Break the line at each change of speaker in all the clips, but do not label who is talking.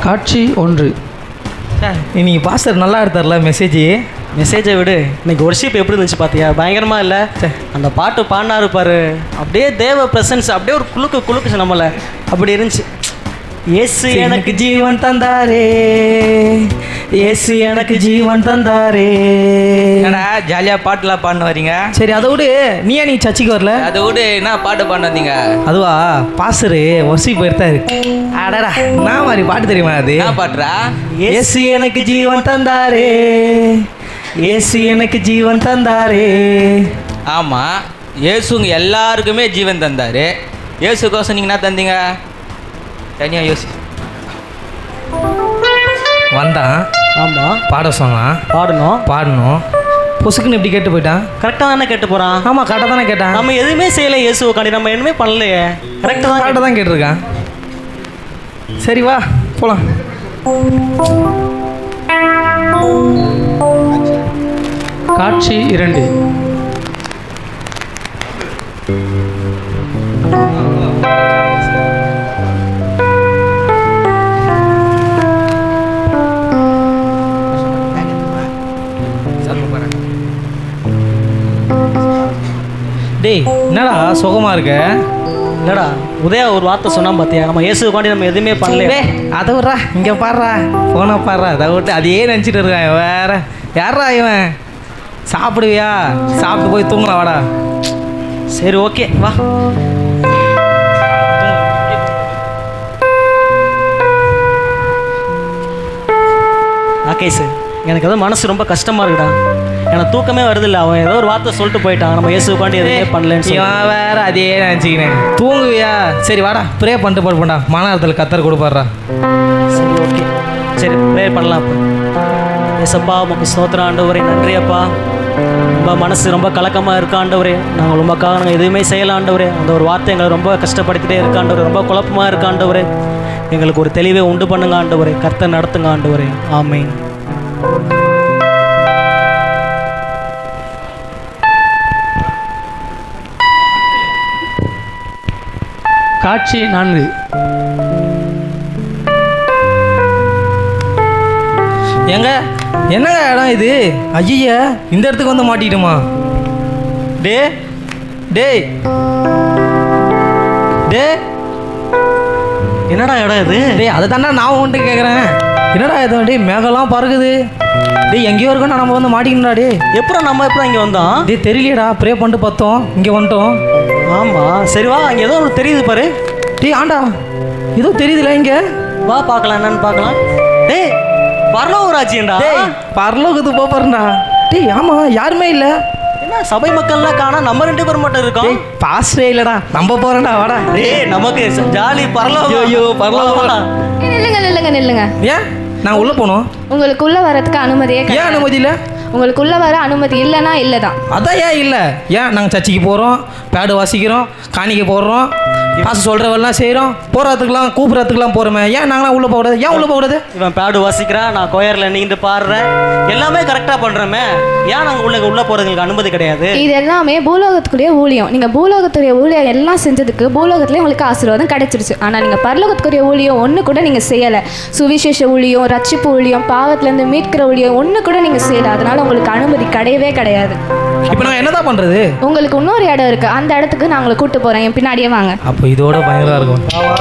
காட்சி 1.
இன்னைக்கு பாஸ்டர் நல்லா எடுத்தார்ல
மெசேஜை விடு. இன்னைக்கு ஒர்ஷிப் எப்படி இருந்துச்சு பார்த்தியா? பயங்கரமாக இல்லை? அந்த பாட்டு பாடினாரு பாரு, அப்படியே தேவ பிரசன்ஸ் அப்படியே ஒரு குலுக்குச்சு நம்மளை. அப்படி இருந்துச்சு. இயேசு எனக்கு ஜீவன் தந்தாரே, இயேசு எனக்கு ஜீவன் தந்தாரே.
என்னடா ஜாலியாக பாட்டுலாம் பாடின வரீங்க?
சரி அதை விடு, நீ சர்ச்சுக்கு வரல?
அதை விடு, என்ன பாட்டு பாடின வந்தீங்க?
அதுவா, பாஸ்டரு ஒர்ஷிப் எடுத்தாரு. அடடா, நான் மாதிரி பாட்டு தெரியுமா? அது
என்ன பாட்டுறா?
இயேசு எனக்கு ஜீவன் தந்தாரே, இயேசு எனக்கு ஜீவன் தந்தாரே.
ஆமாம், இயேசுங்க எல்லாருக்குமே ஜீவன் தந்தார். இயேசுக்கோசம் நீங்கள் என்ன தந்தீங்க? தனியாக யோசி.
வந்தான்,
ஆமாம்,
பாட சொன்னான், பாடணும். பொசுக்குன்னு எப்படி கேட்டு போயிட்டான்?
கரெக்டாக தானே கேட்டு போகிறான்.
ஆமாம், கரெக்டாக தானே கேட்டான்.
நம்ம எதுவுமே செய்யலை இயேசுக்காண்டி, நம்ம எதுவுமே பண்ணலையே. கரெக்டாக
தான் கேட்டிருக்கான். சரி வா போகலாம். காட்சி 2. டேய், என்னடா சுகமாக இருக்க?
இல்லைடா, உதயா ஒரு வார்த்தை சொன்னான் பார்த்தியா? நம்ம இயேசுக்காண்டி நம்ம எதுவுமே பண்ணலையே.
அதை விட்றா, இங்கே பாடுறா, ஃபோனை பாடுறா. அதை விட்டு அதையே நினச்சிட்டு இருக்கான் வேற. யாரா இவன்? சாப்பிடுவியா? சாப்பிட்டு போய் தூங்கலாம், வாடா.
சரி, ஓகே, வா. ராகேஷ், எனக்கு ஏதோ மனசு ரொம்ப கஷ்டமாக இருக்குடா. எனக்கு தூக்கமே வருதில்ல. அவன் ஏதோ ஒரு வார்த்தை சொல்லிட்டு போயிட்டான், நம்ம இயேசுக்காண்டி எதுவுமே பண்ணலன்னு.
இவன் வேற அதையே நினச்சிக்கினேன். தூங்குவியா? சரி வாடா, ப்ரே பண்ணிட்டு போடா. மனத்தில் கத்தர் கொடுப்பாடுறா.
சரி, ஓகே, சரி, ப்ரே பண்ணலாம். அப்போ ஏசப்பா, உமக்கு ஸ்தோத்திரம் ஆண்டவரே. நன்றி அப்பா. ரொம்ப மனசு ரொம்ப கலக்கமாக இருக்க ஆண்டவரே. நாங்கள் ரொம்பக்காக நாங்கள் எதுவுமே செய்யலாம் ஆண்டவரே. அந்த ஒரு வார்த்தை எங்களை ரொம்ப கஷ்டப்படுத்திட்டே இருக்க ஆண்டவரே. ரொம்ப குழப்பமாக இருக்க ஆண்டவரே. எங்களுக்கு ஒரு தெளிவை உண்டு பண்ணுங்க ஆண்டவரே. கர்த்தர் நடத்துங்க ஆண்டவரே. ஆமென்.
காட்சி 4. எங்க என்னங்க இடம் இது? ஐயா, இந்த இடத்துக்கு வந்து மாட்டிக்கிட்டுமா? டேய் டேய் டேய்,
என்னடா இடம் இது?
டேய், அதை தாண்டா நான் உன்ட்டு கேட்குறேன். என்னடா இது? டேய், மேகலாம் பறக்குது. டேய், எங்கேயோ இருக்கோம், நம்ம வந்து மாட்டிக்கணும்டா. டே,
நம்ம எப்போ இங்கே வந்தோம்?
டேய், தெரியலையடா. ப்ரே பண்ணிட்டு பார்த்தோம், இங்கே வந்துட்டோம்.
ஆமாம், சரி வா. அங்கே ஏதோ ஒரு தெரியுது பாரு.
டேய், ஆண்டா, ஏதோ தெரியுதுல இங்கே.
வா பார்க்கலாம், என்னன்னு பார்க்கலாம். டேய், பரலோக ராஜ்யம்டா.
டேய், பரலோகத்துக்கு போறேன்டா. டேய், ஆமாம், யாருமே இல்லை.
என்ன சபை மக்கள்லாம் காணா, நம்ம 2 பேர் மட்டும் இருக்கோம்.
பாஸ்டே இல்லடா, நம்ம போறேன்டா, வாடா.
டேய், நமக்கு ஜாலி பரலோகம்.
ஐயோ, பரலோகம்.
நில்லுங்க.
ஏன் நான் உள்ள போனோம்?
உங்களுக்கு உள்ள வரதுக்கு அனுமதியே கிடையாது.
ஏன் அனுமதி இல்லை?
உங்களுக்கு உள்ள வர அனுமதி இல்லைன்னா இல்லை தான்.
அதான் ஏன் இல்லை? ஏன் நாங்கள் சர்ச்சைக்கு போகிறோம், பேடு வாசிக்கிறோம், காணிக்க போடுறோம், காசு சொல்கிறவெல்லாம் செய்கிறோம், போகிறதுக்கெல்லாம் கூப்பிட்றதுக்கெல்லாம் போகிறோமே. ஏன் நாங்களாம் உள்ளே போகிறது? ஏன் உள்ளே போகிறது?
இவன் பேடு வாசிக்கிறான், நான் கோயரில் நீண்டு பாடுறேன், எல்லாமே கரெக்டாக பண்ணுறோமே. ஏன் நாங்கள் உள்ளே போகிறதுங்களுக்கு அனுமதி கிடையாது?
இது எல்லாமே பூலோகத்துக்குரிய ஊழியம். நீங்கள் பூலோகத்துடைய ஊழியம் எல்லாம் செஞ்சதுக்கு பூலோகத்துலேயே உங்களுக்கு ஆசீர்வாதம் கிடைச்சிருச்சு. ஆனால் நீங்கள் பரலோகத்துக்குரிய ஊழியம் ஒன்று கூட நீங்கள் செய்யலை. சுவிசேஷ ஊழியம், ரட்சிப்பு ஊழியம், பாவத்திலேருந்து மீட்கிற ஊழியம் ஒன்று கூட நீங்கள் செய்யலை. அதனால உங்களுக்கு அனுமதி கிடையவே கிடையாது.
இப்போ நாங்கள் என்னதான் பண்ணுறது?
உங்களுக்கு இன்னொரு இடம் இருக்குது, அந்த இடத்துக்கு நான் உங்களை கூப்பிட்டு போகிறேன். என் பின்னாடியே வாங்க.
அப்போ இதோட பயங்கரமாக இருக்கும்.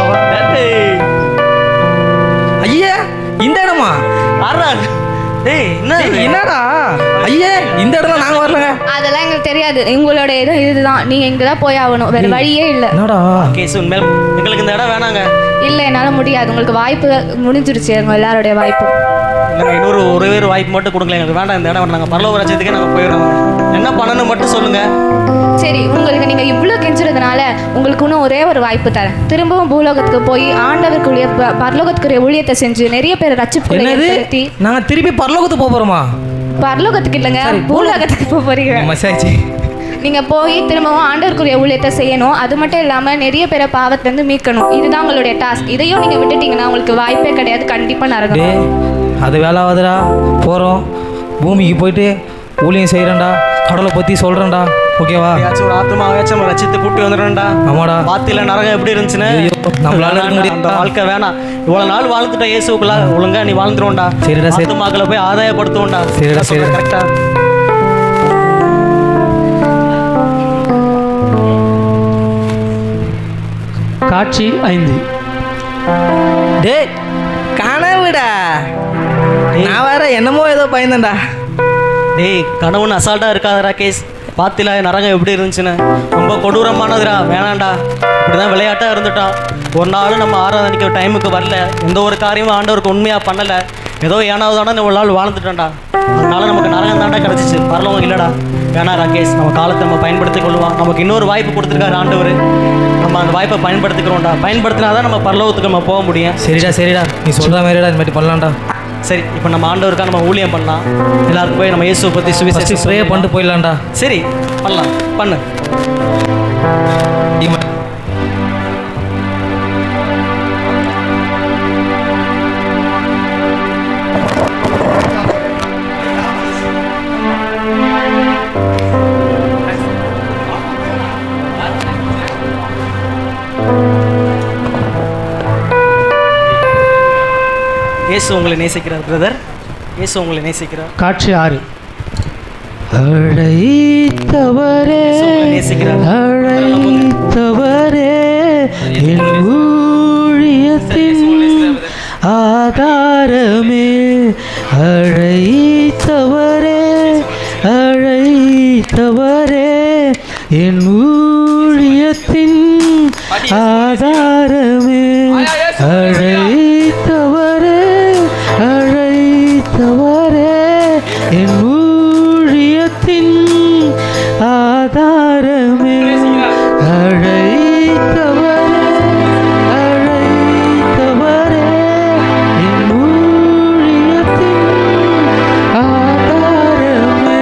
ஐயா, இந்த இடமா?
டேய்,
என்னடா ஐயா, இந்த இடத்துல நாங்கள் வரலங்க.
அதெல்லாம் எங்களுக்கு தெரியாது. உங்களோட இடம் இதுதான், நீங்கள் இங்கே தான் போய் ஆகணும், வேறு வழியே இல்லை.
என்னடா
கேஸ், உண்மையில் எங்களுக்கு இந்த இடம் வேணாங்க.
இல்லை, என்னால் முடியாது. உங்களுக்கு வாய்ப்பு முடிஞ்சிருச்சு, எங்கள் எல்லாருடைய வாய்ப்பு.
இல்லைங்க, இன்னொரு ஒரே ஒரு வாய்ப்பு மட்டும் கொடுக்கல. எங்களுக்கு வேண்டாம் இந்த இடம். நாங்கள் பரலோக ராஜ்யத்துக்கே நாங்கள் போயிடுறோம். என்ன பண்ணணும் மட்டும் சொல்லுங்கள்.
சரி, உங்களுக்கு நீங்கள் இவ்வளோ கெஞ்சுறதுனால உங்களுக்கு இன்னும் ஒரே ஒரு வாய்ப்பு தரேன். திரும்பவும் பூலோகத்துக்கு போய் ஆண்டவருக்குரிய பரலோகத்துக்குரிய ஊழியத்தை செஞ்சு நிறைய பேர் ரட்சிப்புக்குள்ள ஏற்படுத்தி.
நாங்கள் திருப்பி பரலோகத்துக்கு போகிறோமா?
பரலோகத்துக்கு இல்லைங்க, பூலோகத்துக்கு போகிறீங்க. நீங்கள் போய் திரும்பவும் ஆண்டவருக்குரிய ஊழியத்தை செய்யணும். அது மட்டும் இல்லாமல் நிறைய பேரை பாவத்திலேருந்து மீட்கணும். இதுதான் உங்களுடைய டாஸ்க். இதையும் நீங்கள் விட்டுட்டீங்கன்னா உங்களுக்கு வாய்ப்பே கிடையாது. கண்டிப்பாக நடக்கும்.
அது வேலாவதுடா. போகிறோம், பூமிக்கு போயிட்டு ஊழியம் செய்கிறேன்டா, கடவுளை பற்றி சொல்கிறேன்டா. ஓகேவா?
ஒரு ஆத்மாவாச்சும் நம்ம ரசித்து கூட்டி வந்துடும்டா.
ஆமாடா.
வார்த்தையில நரகம் எப்படி இருந்துச்சுன்னு
நம்மளால இருக்க முடியாது.
அந்த வாழ்க்கை வேணாம். இவ்வளவு நாள் வாழ்ந்துட்ட இயேசுக்குள்ள ஒழுங்கா நீ வாழ்ந்துருவோம்டா.
சரிடா சரி.
ஆத்மாக்களை போய் ஆதாயப்படுத்துவோம்டா.
சரிடா சரி.
கரெக்டா?
காட்சி 5.
டேய் கனவுடா. நான் வேற என்னமோ ஏதோ பயந்தேன்டா.
டேய் கனவுன்னு அசால்ட்டா இருக்காத ராகேஷ். பாத்திலா நரகம் எப்படி இருந்துச்சுன்னு. ரொம்ப கொடூரமானதுடா. வேணாண்டா. இப்படிதான் விளையாட்டாக இருந்துட்டான். ஒரு நாள் நம்ம ஆராதனைக்கு டைமுக்கு வரல. எந்த ஒரு காரியமும் ஆண்டவருக்கு உண்மையாக பண்ணலை. ஏதோ ஏனாவதான ஒரு நாள் வாழ்ந்துட்டோம்டா. அதனால நமக்கு நரகம் தாண்டா கிடச்சிச்சு. பரலவங்க இல்லைடா. வேணா ராகேஷ், நம்ம காலத்தை நம்ம பயன்படுத்தி கொள்வோம். நமக்கு இன்னொரு வாய்ப்பு கொடுத்துருக்காரு ஆண்டவர். நம்ம அந்த வாய்ப்பை பயன்படுத்திக்கிறோம்டா. பயன்படுத்தினாதான் நம்ம பரலோகத்துக்கு நம்ம போக முடியும்.
சரிடா சரிடா, நீ சொல்கிற மாதிரிடா இந்த மாதிரி பண்ணலாம்டா.
சரி, இப்போ நம்ம ஆண்டவருக்காக நம்ம ஊழியம் பண்ணலாம். எல்லாருக்கும் போய் நம்ம இயேசுவை பற்றி சுவிசேஷம்
ப்ரே பண்ணிட்டு போயிடலாம்டா.
சரி பண்ணலாம், பண்ணு. இயேசு உங்களை நேசிக்கிறார் பிரதர். இயேசு உங்களை நேசிக்கிறார்.
காட்சி 6. அழைத்தவரே
நேசிக்கிறார்.
அழைத்தவரே என் ஊழியத்தின் ஆதாரமே. அழைத்தவரே அழைத்தவரே என் ஊழியத்தின் ஆதாரமே. அழைத்தவரே அழைத்தவரே என் ஊழியத்தின் ஆதாரமே. அழைத்தவரே அழைத்தவரே என் ஊழியத்தின் ஆதாரமே.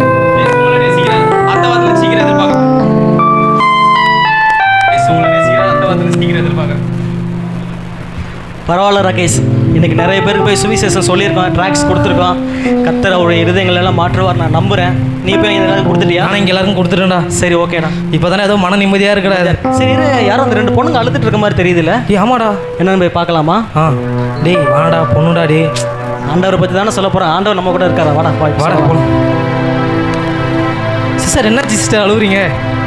பரவாயில்ல ராகேஷ், இன்னைக்கு நிறைய பேருக்கு போய் சுவிசேஷம் சொல்லியிருக்கோம், ட்ராக்ஸ் கொடுத்துருக்கோம். கர்த்தர் அவருடைய இருதயங்கள் எல்லாம் மாற்றுவார், நான் நம்புகிறேன். நீ போய் எல்லாரும் கொடுத்துட்டியா?
ஆனால் இங்கே எல்லாருக்கும் கொடுத்துட்டேன்டா.
சரி ஓகேடா.
இப்போ தானே ஏதோ மன நிம்மதியாக இருக்கடா.
சரி இரு, யாரும் அந்த 2 பொண்ணுங்க அழுதுட்டு இருக்க மாதிரி தெரியுதுல்ல.
ஆமாடா.
என்னன்னு போய் பார்க்கலாமா?
டேய் வாடா பொண்ணுடா. டே
ஆண்டவரை பற்றி தானே சொல்ல போகிறேன். ஆண்டவர் நம்ம கூட இருக்காரா? வாடா
வாடா போகலாம். சிஸ்டர் என்னாச்சு சிஸ்டர் அழுவுறீங்க?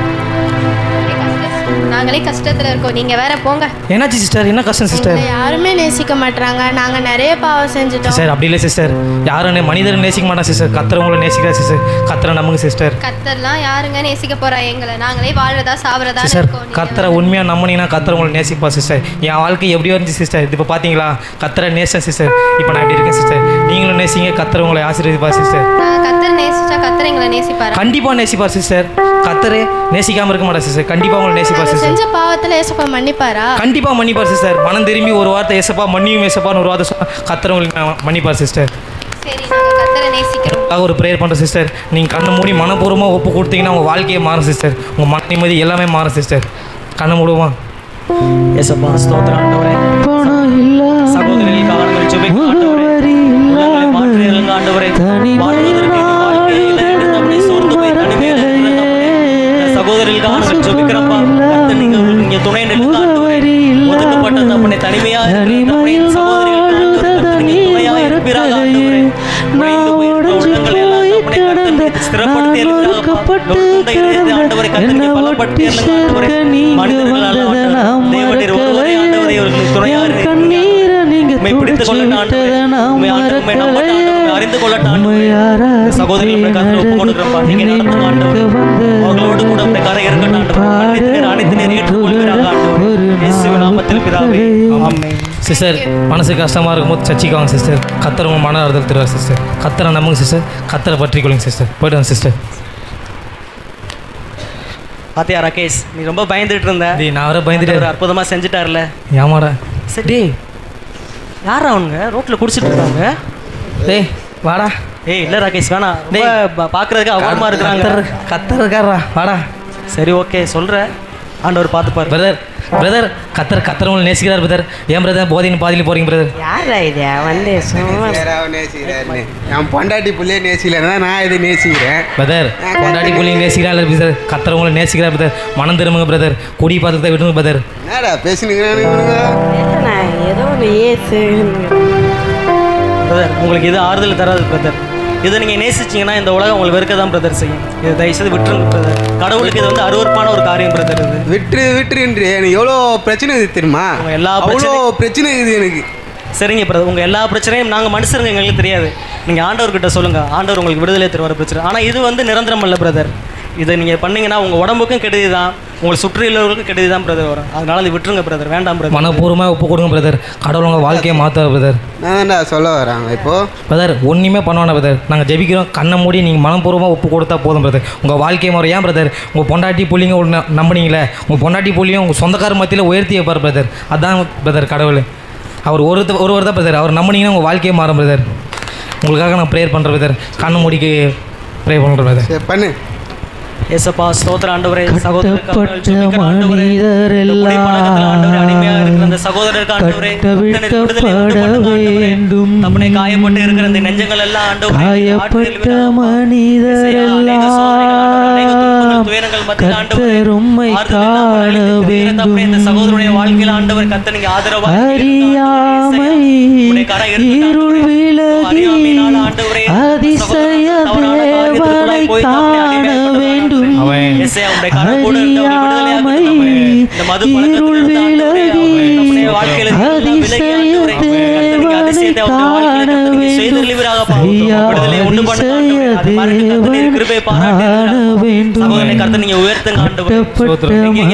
நாங்களே கஷ்டத்துல இருக்கோம், நீங்க வேற போங்க.
என்னாச்சு சிஸ்டர்? என்ன கஷ்டம் சிஸ்டர்?
யாருமே நேசிக்க மாட்டாங்க. நாங்க நிறைய பாவம் செஞ்சுட்டோம்.
சிஸ்டர் அப்படி இல்லை சிஸ்டர். யாரும் மனிதரை நேசிக்க மாட்டான் சிஸ்டர். கத்திரவங்களை நேசிக்கிறா சிஸ்டர். கத்திர நம்புங்க சிஸ்டர்.
கத்தர்லாம் யாருங்க நேசிக்க போறா எங்களை? நாங்களே வாழ்றதா சாவறதா
சிஸ்டர்
இருக்கோம்.
கத்திர உண்மையாக நம்பினீங்கன்னா கத்திரவங்களை நேசிப்பா சிஸ்டர். என் வாழ்க்கை எப்படியோ இருந்துச்சு சிஸ்டர். இப்போ பார்த்தீங்களா கத்திர நேசம் சிஸ்டர். இப்போ நான் எப்படி இருக்கேன் சிஸ்டர். நீங்களும் நேசிங்க, கத்திரவங்களை ஆசீர்வதிப்பா சிஸ்டர்.
கத்தர் நேசிச்சா கத்தர் எங்களை நேசிப்பாரு.
கண்டிப்பாக நேசிப்பார் சிஸ்டர். கத்தரே நேசிக்காமல் இருக்க மாட்டா சிஸ்டர். கண்டிப்பாக உங்களை நேசிப்பார் சிஸ்டர்.
செஞ்ச பாவத்துல ஏசப்பா மன்னிப்பாரா?
கண்டிப்பாக மன்னிப்பார் சிஸ்டர். மனம் திரும்பி ஒரு வார்த்தை ஏசப்பா மன்னியும் ஏசப்பான்னு ஒரு வார்த்தை சொன்னால் கத்திரவங்களுக்கு மன்னிப்பார் சிஸ்டர்.
சரி, நாங்க கத்தரை நேசிக்கிறோம்.
ஒரு ப்ரேயர் பண்ணுறோம் சிஸ்டர். நீங்கள் கண்ணை மூடி மனப்பூர்வமாக ஒப்பு கொடுத்தீங்கன்னா உங்கள் வாழ்க்கையே மாறும் சிஸ்டர். உங்கள் மன நிம்மதி எல்லாமே மாறும் சிஸ்டர். கண்ணை மூடுமா?
ஏசப்பா ஸ்தோத்திரம் ஆண்டவரே. சகோதரிகளுக்காக நாங்கள் ஜெபிக்கிறோம் ஆண்டவரே. உள்ளங்களை மாற்றுங்க ஆண்டவரே. வாழ்வதற்கு வாழ்க்கையில நம்மை சோர்ந்து போய் தனிமையில இருக்கிற சகோதரிகளுக்காக நாங்கள் ஜெபிக்கிறோம்ப்பா. கர்த்தர் நீங்க துணை நிற்க ஆண்டவரே. ஒதுக்கப்பட்ட நம்மை தனிமையா இருக்கிற சகோதரிகளுக்கு நீங்க துணையா இருப்பீராக ஆண்டவரே. உடைந்து போயிருக்கிற உள்ளங்களை எல்லாம் நம்மை கர்த்தர் ஸ்திரப்படுத்தி இருக்கிறாங்கப்பா. ஆண்டவரே கர்த்தர் பலப்படுத்தி ஆண்டவரே. மனிதர்களால் தேவனீர் ஒருவரே ஆண்டவரே அவர்களுக்கு துணையா இருக்கிறீங்க. உம்மை பிடித்துக் கொள்ளட்டும் ஆண்டவரே. உம்மை ஆண்டவரே நம்பட்டும், அறிந்து கொள்ளட்டும் ஆண்டவரே. சகோதரிகளை கர்த்தர் ஒப்புக் கொடுக்கிறோம்ப்பா. நீங்க நடத்துங்க ஆண்டவரே. அவர்களோடு கூட உம்முடைய கரை இருக்கட்டும் ஆண்டவரே. அனைத்து நேரம் ஏற்றுக்கொள்வீராக ஆண்டவரே. இயேசுவின் நாமத்தில் பிதாவே ஆமென்.
சிஸ்டர் மனசு கஷ்டமாக இருக்கும்போது சர்ச்சைக்கு வாங்க சிஸ்டர். கத்தரை உங்கள் மன ஆறுதல் தருவார் சிஸ்டர். கத்தரை நம்புங்க சிஸ்டர். கத்தரை பற்றி கொள்ளுங்க சிஸ்டர். போய்ட்டு வாங்க சிஸ்டர்.
பாத்தியா ராகேஷ், நீ ரொம்ப பயந்துட்டு இருந்த.
நான் வர பயந்துட்டு
ஒரு அற்புதமாக செஞ்சுட்டார்ல.
ஏமாடா.
சரி யாரா அவனுங்க ரோட்டில் குடிச்சிட்டு இருக்காங்க?
டேய் வாடா.
ஏய் இல்லை ராகேஷ் வேணாம். ரொம்ப பார்க்குறதுக்கு அவமானமாக இருக்கிறாங்க.
கத்தர் இருக்காரா? வாடா.
சரி ஓகே சொல்கிறேன். ஆண்டவர் பார்த்துப்பார்.
பிரதர் பிரதர் கத்தரவங்களை நேசிக்கிறார் பிரதர். ஏன் பிரதர் போதையின் பாதியில் போகிறீங்க பிரதர்?
யாரா இது வந்து சும்மா
நேசிக்கிறாரு. என் பொண்டாட்டி புள்ளையே நேசிக்கலன்னா நான் இது நேசிக்கிறேன்.
பிரதர் பொண்டாட்டி புள்ளிங்க நேசிக்கிறார் பிரதர். கத்தரவங்களை நேசிக்கிறார் பிரதர். மனம் திரும்புங்க பிரதர். குடி பாத்திரத்தை விடுங்க பிரதர்.
என்னடா பேசினுக்கிறேன்?
என்னண்ணா ஏதோ ஒன்று ஏசு
பிரதர் உங்களுக்கு இது ஆறுதல் தராது பிரதர். இதை நீங்கள் நேசிச்சிங்கன்னா இந்த உலகம் உங்களுக்கு வெறுக்க தான் பிரதர் செய்யும். இதை தயவுசெய்து விட்டுருங்க பிரதர். கடவுளுக்கு இது வந்து அருவருப்பான ஒரு காரியம் பிரதர். இது
விட்டுருன்று எனக்கு எவ்வளோ பிரச்சனை இருக்குது தெரியுமா?
உங்க எல்லா
அவ்வளோ பிரச்சனை இருக்குது எனக்கு.
சரிங்க பிரதர், உங்கள் எல்லா பிரச்சனையும் நாங்கள் மனுஷருங்க, எங்களுக்கு தெரியாது. நீங்கள் ஆண்டவர்கிட்ட சொல்லுங்கள், ஆண்டவர் உங்களுக்கு விடுதலை தருவார் பிரச்சனை. ஆனால் இது வந்து நிரந்தரம் இல்லை பிரதர். இதை நீங்கள் பண்ணீங்கன்னா உங்கள் உடம்புக்கும் கெடுதி தான், உங்களை சுற்றியுள்ளவர்களுக்கும் கெடுதி தான் பிரதர் வரும். அதனால இது விட்டுருங்க பிரதர், வேண்டாம் பிரதர்.
மனப்பூர்வமாக ஒப்பு கொடுங்க பிரதர். கடவுள் உங்கள் வாழ்க்கையை மாற்ற பிரதர்.
நான் தான்டா சொல்ல வராங்க இப்போது.
பிரதர் ஒன்றுமே பண்ணுவானா பிரதர்? நாங்கள் ஜெபிக்கிறோம், கண்ணை மூடி நீங்கள் மனப்பூர்வமாக ஒப்பு கொடுத்தா போதும் பிரதர். உங்கள் வாழ்க்கை முறை ஏன் பிரதர்? உங்கள் பொண்டாட்டி புள்ளிங்க ஒன்று நம்பினீங்களே, உங்கள் பொண்டாட்டி புள்ளியும் உங்கள் சொந்தக்கார மத்தியில் உயர்த்தி வைப்பார் பிரதர். அதான் பிரதர் கடவுள். அவர் ஒருவர் தான் பிரதர். அவர் நம்பினீங்கன்னா உங்கள் வாழ்க்கையை மாறும் பிரதர். உங்களுக்காக நான் ப்ரேயர் பண்ணுறேன் பிரதர். கண்ணை மூடிக்கு ப்ரே பண்ணுறேன் பிரதர்.
சரி பண்ணு.
ஏசப்பா ஸ்தோத்திர ஆண்டவரே,
கட்டப்பட்ட மனிதரெல்லாம்
அடிமையாக இருக்கிற அந்த சகோதரருக்கு ஆண்டவரே,
வேண்டும்.
தம்முடைய காயப்பட்டு இருக்கிற அந்த நெஞ்சங்கள் எல்லாம் ஆண்டவரே,
காயப்பட்ட மனிதரெல்லாம் கர்த்தர் உம்மை காண வேண்டும்.
இந்த சகோதரனுடைய வாழ்க்கையில் ஆண்டவர் கர்த்தர் நீங்க ஆதரவாக
அறியாமை இருள் விலகி அதிசய தேவனை காண வேண்டும். அறியாமை இருள் விலகி அதிசய தேவனை காண வேண்டும். ஐயா அதிசய தேவனை காண வேண்டும்.
நீங்க உயர்த்துங்க ஆண்டவரே.
கட்டப்பட்ட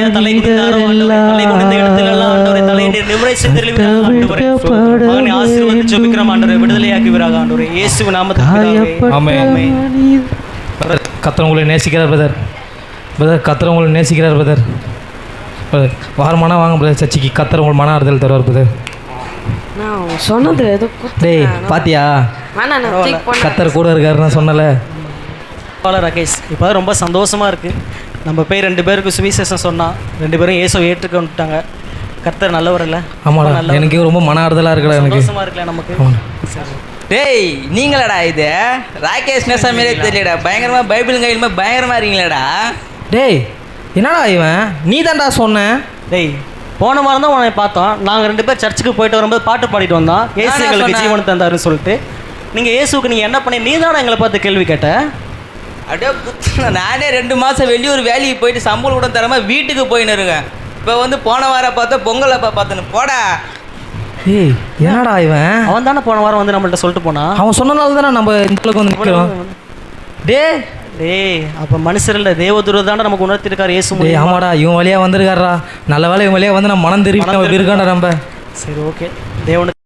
கத்தவங்களை நேசிக்கிறார் பிரதர். பிரதர் கத்தவங்களை நேசிக்கிறார் பிரதர். பிரதர் வாரமானா வாங்க பிரதர் சர்ச்சைக்கு. கத்தர் உங்களுக்கு மன ஆறுதல் தருவார் பிரதர்.
நான் சொன்னது ஏதோ
டேய் பாத்தியா, கத்தர் கூட இருக்காரு நான் சொன்னல.
ராகேஷ் இப்போ ரொம்ப சந்தோஷமாக இருக்குது. நம்ம போய் 2 பேருக்கு சுவிசேஷம் சொன்னால் 2 பேரும் இயேசுவை ஏற்றுக்கொண்டுட்டாங்க. கர்த்தர் நல்லவர் இல்லை?
ஆமாடா, எனக்கு ரொம்ப மன ஆறுதலாக இருக்குடா. எனக்கு
சந்தோஷமாக இருக்கல நமக்கு.
டேய் நீங்களடா இது ராகேஷ் நேசா மாரியே தெரியலடா. பயங்கரமாக பைபிள் கையிலுமே பயங்கரமாக இருக்கீங்களேடா.
டேய் என்னடா இவன்? நீ தான்டா சொன்ன.
டேய் போன வாரம் தான் உன்னை பார்த்தோம். நாங்கள் 2 பேர் சர்ச்சுக்கு போயிட்டு வரும்போது பாட்டு பாடிட்டு வந்தோம். இயேசு எங்களுக்கு ஜீவனை தந்தாருன்னு சொல்லிட்டு. நீங்கள் இயேசுக்கு நீங்கள் என்ன பண்ணி நீ தானே எங்களை பார்த்து கேள்வி கேட்ட?
அப்படியே நானே 2 மாதம் வெளியூர் வேலைக்கு போயிட்டு சம்பளம் கூட தராமல் வீட்டுக்கு போயின்னு இருக்கேன். இப்போ வந்து போன வாரம் பார்த்தா பொங்கல் அப்போ பார்த்தேன்னு போடா.
ஏய் என்னடா இவன்?
அவன் தானே போன வாரம் வந்து நம்மள்ட்ட சொல்லிட்டு போனான்.
அவன் சொன்னனால தானே நம்ம இந்த அளவுக்கு வந்து நிற்கிறோம்.
டேய் அப்போ மனுஷர் இல்லை, தேவதூர் தானே நமக்கு உணர்த்திருக்காரு இயேசு.
ஆமாடா, இவன் வழியாக வந்திருக்காரா. நல்ல வேலை இவன் வழியாக வந்து நம்ம மனம் திருப்பி இருக்காண்டா நம்ம.
சரி ஓகே, தேவனுக்கு